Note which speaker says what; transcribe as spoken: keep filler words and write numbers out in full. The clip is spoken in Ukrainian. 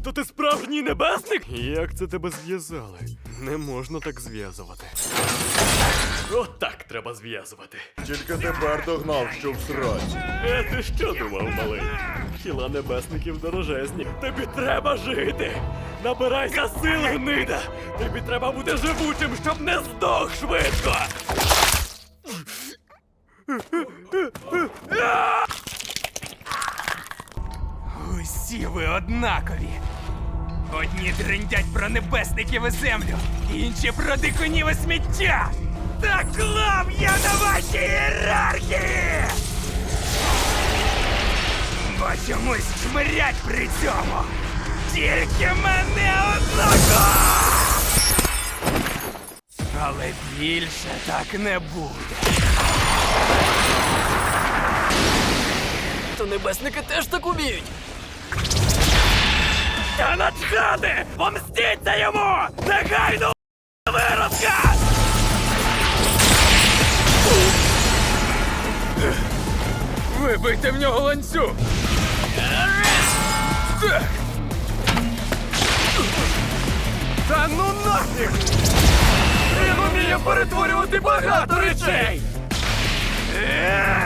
Speaker 1: То ти справжній небесник? Як це тебе зв'язали? Не можна так зв'язувати. От так треба зв'язувати.
Speaker 2: Тільки тепер догнав, що в сраці.
Speaker 1: Е, ти що думав, малий? Хіла небесників дорожезні. Тобі треба жити! Набирайся сил, гнида! Тобі треба бути живучим, щоб не здох швидко!
Speaker 3: Усі ви однакові. Одні трендять про небесників і землю, інші про дикунів і сміття. Та клав я на вашій ієрархії! Бо чомусь чмирять при цьому. Тільки мене одного! Але більше так не буде.
Speaker 1: То небесники теж так уміють. Та начхати! Помстіться йому! Негайно виродка!
Speaker 3: Вибийте в нього ланцюг! Так! Та ну нафіг! Він уміє перетворювати багато речей!
Speaker 1: Е!